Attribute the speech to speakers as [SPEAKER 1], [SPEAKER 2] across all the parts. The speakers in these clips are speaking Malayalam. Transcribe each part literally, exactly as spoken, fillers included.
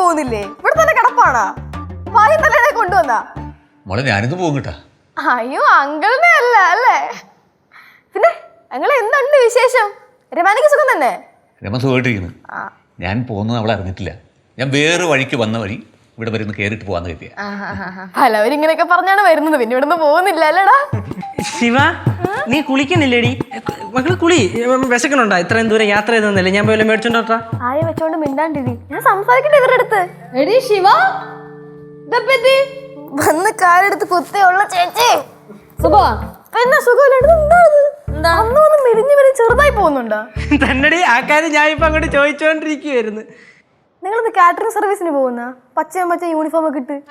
[SPEAKER 1] പോകുന്നില്ലേ? ഇവിടെ തന്നെ കിടപ്പാണോ? വായും തന്നെ കൊണ്ടുവന്നാ
[SPEAKER 2] മോളെ ഞാനിന്ന് പോകും കേട്ടാ.
[SPEAKER 1] അയ്യോ അങ്കിളിനെ അല്ല അല്ലേ? പിന്നെ അങ്ങളെ എന്തുണ്ട് വിശേഷം? രമാനിക്ക് സുഖം തന്നെ?
[SPEAKER 2] രമ സുഖമായിട്ടിരിക്കുന്നു. ഞാൻ പോകുന്നത് അവളെ അറിഞ്ഞിട്ടില്ല. ഞാൻ വേറെ വഴിക്ക് വന്ന വഴി ഇവിടെ വരുന്ന കയറിയിട്ട് പോവാന്ന് കരുതിയ.
[SPEAKER 1] പലവരും ഇങ്ങനെയൊക്കെ പറഞ്ഞാണ് വരുന്നത്. പിന്നെ ഇവിടുന്ന് പോകുന്നില്ല അല്ലേടാ?
[SPEAKER 3] ശിവ നീ കുളിക്കുന്നില്ലേടി? മക്കള് കുളി. വിശക്കണുണ്ടോ? ഇത്രയും ദൂരം യാത്ര ചെയ്തല്ലേ? ഞാൻ പോയി മേടിച്ചോണ്ടോട്ടാ.
[SPEAKER 1] ആയ വെച്ചോണ്ട് മിണ്ടാണ്ടിരി. ഞാൻ സംസാരിക്കട്ടെ ഇവരുടെ അടുത്ത്. എടി ശിവ വന്ന് കാലെടുത്ത് കുത്തിയുള്ള ചേച്ചി പിന്നെ സുഖമില്ലാണ്ട് മെലിഞ്ഞു വരെ ചെറുതായി പോകുന്നുണ്ടോ?
[SPEAKER 3] തന്നടി ആ കാര്യം ഞാൻ ഇപ്പൊ അങ്ങോട്ട് ചോദിച്ചോണ്ടിരിക്കുവായിരുന്നു.
[SPEAKER 1] നിങ്ങളിന്ന് കാറ്ററിംഗ് സർവീസിന് പോകുന്ന പച്ചയും പച്ച യൂണിഫോം ഒക്കെ ഇട്ട്.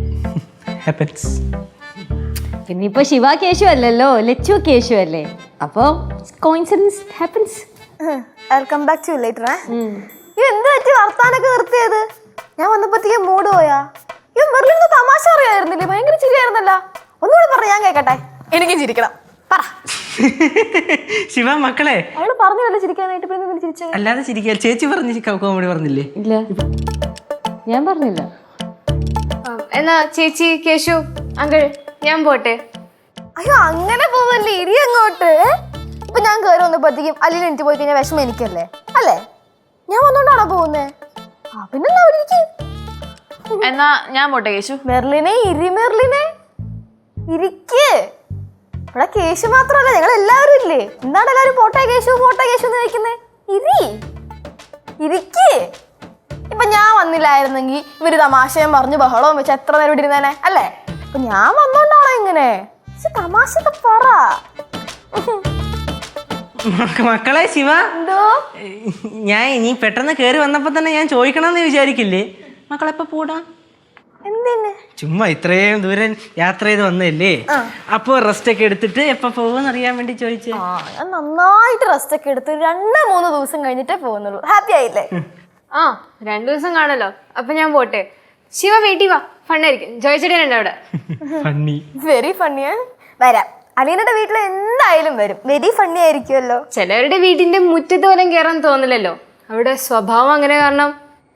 [SPEAKER 4] പിന്നെ ഇപ്പൊ ശിവ കേശു അല്ലല്ലോ, ലച്ചു കേശു അല്ലേ? അപ്പൊ coincidence happens.
[SPEAKER 1] I'll come back to you later. ഈ എന്ത് പറ്റി വർത്താനൊക്കെ നിർത്തിയത്? ഞാൻ വന്നപ്പോഴത്തേക്ക് മൂഡ് പോയാ? ഈ മെർലിന് തമാശ അറിയായിരുന്നില്ലേ? ഭയങ്കര ചിരിയായിരുന്നല്ലോ. ഒന്നുകൂടെ പറ, ഞാൻ കേക്കട്ടെ. എനിക്കും ചിരിക്കണം. പറ
[SPEAKER 3] ശിവ മക്കളെ.
[SPEAKER 1] അവള് പറഞ്ഞല്ലോ ചിരിക്കാനായിട്ട്. പിന്നെ ചിരിച്ചേ?
[SPEAKER 3] അല്ലാതെ ചിരിക്കാൻ ചേച്ചി പറഞ്ഞു കോമഡി പറഞ്ഞില്ലേ?
[SPEAKER 4] ഇല്ല ഞാൻ പറഞ്ഞില്ല.
[SPEAKER 5] എന്നാ ചേച്ചി കേശു അങ്കിൾ ഞാൻ പോട്ടെ.
[SPEAKER 1] അയ്യോ അങ്ങനെ പോവല്ലേ, ഇരി അങ്ങോട്ട്. ഇപ്പൊ ഞാൻ കയറി വന്നപ്പോഴത്തേക്കും അല്ലിന് എനിക്ക് പോയി കഴിഞ്ഞാൽ വിഷമം എനിക്കല്ലേ അല്ലേ? ഞാൻ വന്നോണ്ടാണോ പോകുന്നേ? ആ പിന്നെന്താ ഇരിക്ക്.
[SPEAKER 5] എന്നാ ഞാൻ പോട്ടെ കേശു.
[SPEAKER 1] മെർലിനെ ഇരി, മെർലിനെ ഇരിക്ക്. ഇവിടെ കേശു മാത്രല്ല, ഞങ്ങൾ എല്ലാവരും ഇല്ലേ? എന്താണ് എല്ലാവരും പോട്ടെ കേശു പോട്ടെ കേശു എന്ന് കഴിക്കുന്നേ? ഇരി ഇരിക്ക്. ഇപ്പൊ ഞാൻ വന്നില്ലായിരുന്നെങ്കിൽ ഇവര് തമാശയും പറഞ്ഞു ബഹളവും വെച്ച് എത്ര നേരം ഇവിടെ ഇരുന്നേനെ അല്ലേ? അപ്പൊ ഞാൻ വന്നോണ്ടാണോ ഇങ്ങനെ? തമാശ പറ.
[SPEAKER 3] മക്കളെ ശിവ,
[SPEAKER 1] എന്തോ
[SPEAKER 3] ഞാൻ ഇനി പെട്ടെന്ന് കേറി വന്നപ്പോ തന്നെ ഞാൻ ചോദിക്കണമെന്ന് വിചാരിക്കില്ലേ? മക്കളെപ്പ പോടാ?
[SPEAKER 1] എന്തിന്?
[SPEAKER 3] ചുമ്മാ ഇത്രയും ദൂരം യാത്ര ചെയ്ത് വന്നല്ലേ, അപ്പൊ റെസ്റ്റ് ഒക്കെ എടുത്തിട്ട് എപ്പ പോകുമെന്ന് അറിയാൻ വേണ്ടി ചോദിച്ചേ.
[SPEAKER 1] ആ ഞാൻ നന്നായിട്ട് റെസ്റ്റ് ഒക്കെ എടുത്ത് രണ്ട് മൂന്ന് ദിവസം കഴിഞ്ഞിട്ടേ പോകുന്നുള്ളൂ. ഹാപ്പി ആയില്ലേ?
[SPEAKER 5] ആ രണ്ടു ദിവസം കാണല്ലോ. അപ്പൊ ഞാൻ പോട്ടെ. ശിവ വീട്ടിൽ വാ, ഫണ്ണായിരിക്കും. ജോയിച്ചേട്ടനുണ്ട് അവിടെ.
[SPEAKER 3] ഫണ്ണി,
[SPEAKER 1] വെരി ഫണ്ണിയാ. വരാം. അലീനയുടെ വീട്ടിൽ എന്തായാലും വരും. വെരി ഫണ്ണി ആയിരിക്കുമല്ലോ.
[SPEAKER 5] ചിലവരുടെ വീടിന്റെ മുറ്റത്ത് പോലും കയറാൻ തോന്നില്ലല്ലോ. അവിടെ സ്വഭാവം അങ്ങനെ കാരണം.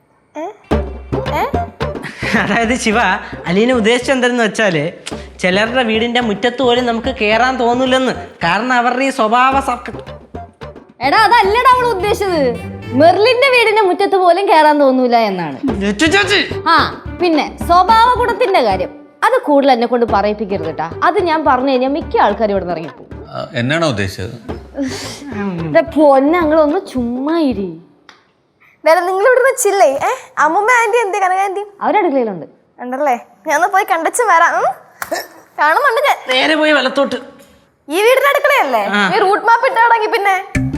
[SPEAKER 3] അതായത് ശിവ, അലീന ഉദ്ദേശിച്ചത് എന്തെന്ന് വെച്ചാല് ചിലരുടെ വീടിന്റെ മുറ്റത്ത് പോലും നമുക്ക് കേറാൻ തോന്നില്ലെന്ന്. കാരണം അവരുടെ ഈ സ്വഭാവ.
[SPEAKER 4] എടാ അതല്ലടാ അവൾ ഉദ്ദേശിച്ചത്. മെർലിന്റെ വീടിന്റെ മുറ്റത്ത് പോലും കേറാൻ തോന്നൂല എന്നാണ്. ആ പിന്നെ സ്വഭാവ ഗുണത്തിന്റെ കാര്യം അത് കൂടുതൽ എന്നെ കൊണ്ട് പറയിപ്പിക്കരുത് കേട്ടാ. അത് ഞാൻ പറഞ്ഞു കഴിഞ്ഞാൽ മിക്ക ആൾക്കാരും ഇവിടെ നിന്ന് ഇറങ്ങിപ്പോകും.
[SPEAKER 2] എന്നാണോ ഉദ്ദേശിച്ചത്?
[SPEAKER 4] പൊന്നങ്ങളൊന്ന് ചുമ്മാ ഇരി.
[SPEAKER 1] നിങ്ങൾ ഇവിടെ ചില്ലേ? ഏഹ് അമ്മൂമ്മ ആന്റി എന്തേ കനക ആന്റി?
[SPEAKER 4] അവരടുക്കളയിലുണ്ട്.
[SPEAKER 1] ഉണ്ടല്ലേ? ഞാൻ പോയി കണ്ടച്ചു വരാം. കാണുന്നുണ്ട് ഞാൻ.
[SPEAKER 3] നേരെ പോയി വലത്തോട്ട്.
[SPEAKER 1] ഈ വീടിന്റെ അടുക്കളയല്ലേ? നീ റൂട്ട് മാപ്പ് ഇട്ടാണെങ്കിൽ പിന്നെ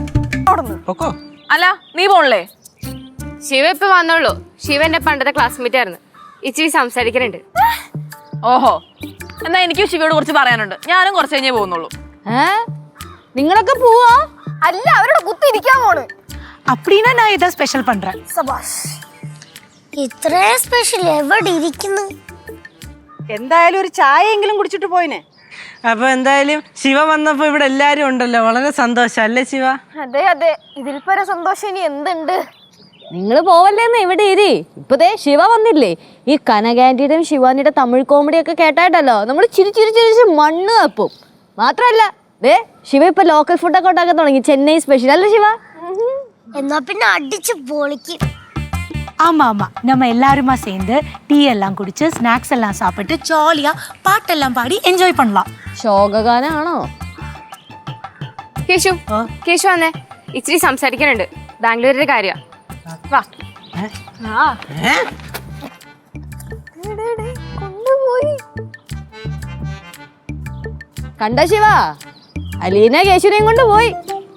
[SPEAKER 5] അല്ല നീ പോണല്ലേ? ശിവ ഇപ്പൊ വന്നോളൂ. ശിവ എന്റെ പണ്ടത്തെ ക്ലാസ്മേറ്റ് ആയിരുന്നു. ഇച്ചിരി സംസാരിക്കാനുണ്ട്.
[SPEAKER 6] ഓഹോ, എന്നാ എനിക്കും ശിവയോട് കുറച്ച് പറയാനുണ്ട്. ഞാനും കുറച്ച് കഴിഞ്ഞേ പോകുന്നുള്ളൂ.
[SPEAKER 4] ഏ നിങ്ങളൊക്കെ പോവാ?
[SPEAKER 1] അല്ല അവരോട് കുത്തി ഇരിക്കാൻ പോണ്.
[SPEAKER 7] அப்படினா நான் ஏதா ஸ்பெஷல் பண்றேன்.
[SPEAKER 1] സബാഷ്.
[SPEAKER 8] ഇത്ര സ്പെഷ്യൽ എവിടെ ഇരിക്കുന്നു?
[SPEAKER 7] എന്തായാലും ഒരു ചായയെങ്കിലും കുടിച്ചിട്ട് പോയിനെ.
[SPEAKER 3] അപ്പൊ എന്തായാലും ശിവ വന്നപ്പോ ഇവിടെ എല്ലാരും ഉണ്ടല്ലോ, വളരെ സന്തോഷം അല്ലേ ശിവ?
[SPEAKER 1] അതെ അതെ, ഇതിൽ പര സന്തോഷം ഇനി എന്തുണ്ട്?
[SPEAKER 4] നിങ്ങൾ പോവല്ലേന്ന് ഇവിടെ ഇരി. ഇപ്പതേ ശിവ വന്നില്ലേ? ഈ കനകാന്റിയുടെയും ശിവാനിയുടെ തമിഴ് കോമഡിയൊക്കെ കേട്ടായിട്ടല്ലോ നമ്മൾ ചിരി ചിരി ചിരിച്ച് മണ്ണ് തപ്പും. മാത്രല്ല ദേ ശിവ ഇപ്പൊ ലോക്കൽ ഫുഡൊക്കെ ഉണ്ടാക്കാൻ തുടങ്ങി. ചെന്നൈ സ്പെഷ്യൽ അല്ലേ ശിവ?
[SPEAKER 8] എന്നാ പിന്നെ അടിച്ച് പൊളിക്കും.
[SPEAKER 7] ஆமா ஆமா, நம்ம எல்லாருமா சேர்ந்து டீ எல்லாம் குடிச்சு ஸ்நாக்ஸ் எல்லாம் சாப்பிட்டு ஜாலியா பாட்டெல்லாம் பாடி என்ஜாய் பண்ணலாம்.
[SPEAKER 4] ശോകഗാനാണോ?
[SPEAKER 5] കേശു കേശു വന്നേ, ഇച്ചിരി സംസാരിക്കാനുണ്ട്. ബാംഗ്ലൂരിന്റെ കാര്യം. വാ.
[SPEAKER 1] കൊണ്ടുപോയി
[SPEAKER 4] കണ്ട ശിവ, അലീന കേശുനെയും കൊണ്ട് പോയി.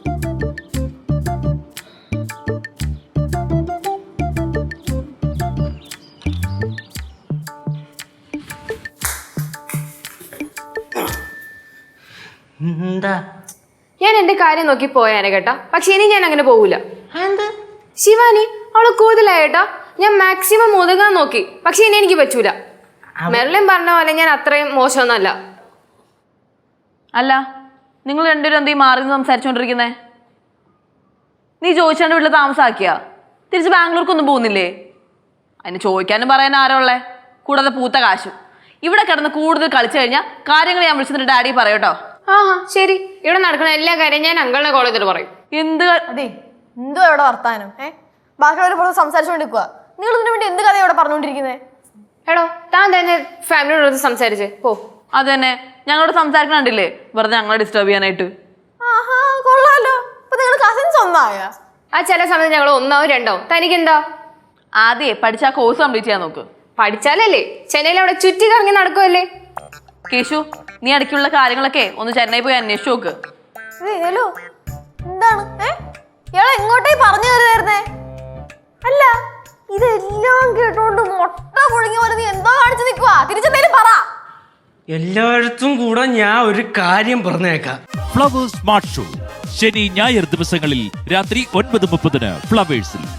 [SPEAKER 5] ഞാൻ എന്റെ കാര്യം നോക്കി പോയാനെ കേട്ടാ. പക്ഷെ ഇനി ഞാൻ അങ്ങനെ പോകൂല. ശിവാനി അവള് കൂടുതലായി കേട്ടാ. ഞാൻ മാക്സിമം ഒതുങ്ങാൻ നോക്കി, പക്ഷെ ഇനി എനിക്ക് പറ്റൂല. മെർലിൻ പറഞ്ഞ പോലെ ഞാൻ അത്രയും മോശമൊന്നുമല്ല.
[SPEAKER 6] അല്ല, നിങ്ങൾ രണ്ടുപേരും എന്തീ മാറി നിന്ന് സംസാരിച്ചോണ്ടിരിക്കുന്നേ? നീ ചോദിച്ചാണ്ട് വീട്ടിൽ താമസാക്കിയാ? തിരിച്ച് ബാംഗ്ലൂർക്കൊന്നും പോകുന്നില്ലേ? അതിന് ചോദിക്കാനും പറയാൻ ആരോ ഉള്ളേ, കൂടാതെ പൂത്ത കാശും. ഇവിടെ കിടന്ന് കൂടുതൽ കളിച്ചു കഴിഞ്ഞാൽ കാര്യങ്ങൾ ഞാൻ വിളിച്ചിട്ട് ഡാഡി പറയൂട്ടോ.
[SPEAKER 5] ആ ശരി, ഇവിടെ നടക്കുന്ന എല്ലാ കാര്യം ഞാൻ അങ്കിളിനെ കോൾ ചെയ്തിട്ട് പറയും.
[SPEAKER 6] എന്ത്
[SPEAKER 1] അതെ, എന്തോ ഇവിടെ വർത്താനം ഏ ബാക്കിയുള്ളവർ പുറത്ത് സംസാരിച്ചുകൊണ്ടിരിക്കുക. നിങ്ങൾ ഇതിനു വേണ്ടി എന്ത് കഥ ഇവിടെ പറഞ്ഞുകൊണ്ടിരിക്കുന്നത്?
[SPEAKER 5] എടോ, താൻ തന്നെ ഫാമിലിയോട് സംസാരിച്ച് പോ.
[SPEAKER 6] അത് തന്നെ, ഞങ്ങളോട് സംസാരിക്കണില്ലേ വെറുതെ ഞങ്ങളെ ഡിസ്റ്റർബ് ചെയ്യാനായിട്ട്.
[SPEAKER 1] ആഹാ, കൊള്ളാലോ. അപ്പൊ നിങ്ങൾ കസിൻസ് ഒന്നായ?
[SPEAKER 5] ആ ചില സമയത്ത് ഞങ്ങൾ ഒന്നാവും രണ്ടാവും. തനിക്കെന്താ?
[SPEAKER 6] ആദ്യമേ പഠിച്ച ആ കോഴ്സ് കംപ്ലീറ്റ് ചെയ്യാൻ നോക്ക്.
[SPEAKER 5] പഠിച്ചാലല്ലേ ചെന്നൈയിൽ അവിടെ ചുറ്റി കറങ്ങി നടക്കുമല്ലേ.
[SPEAKER 6] കേശു, നീ ഇടയ്ക്കുള്ള കാര്യങ്ങളൊക്കെ ഒന്ന് ചെന്നൈ പോയി അന്വേഷിച്ചു നോക്ക്.
[SPEAKER 1] ഹലോ, എന്താണ് ഏ ഇയാളെ എങ്ങോട്ടേ പറഞ്ഞു കയറുന്നേ? അല്ല, ഇതെല്ലാം കേട്ടോണ്ട് മുട്ട പുഴുങ്ങി പോലെ നീ എന്തോ കാണിച്ചു നിൽക്കുവാ? തിരിച്ചെന്തേലും പറ.
[SPEAKER 3] എല്ലായിടത്തും കൂടെ ഞാൻ ഒരു കാര്യം പറഞ്ഞേക്കാം.
[SPEAKER 9] ഫ്ലവേഴ്സ് സ്മാർട്ട് ഷോ ശനി ഞായർ ദിവസങ്ങളിൽ രാത്രി ഒൻപത് മുപ്പതിന് ഫ്ലവേഴ്സിൽ.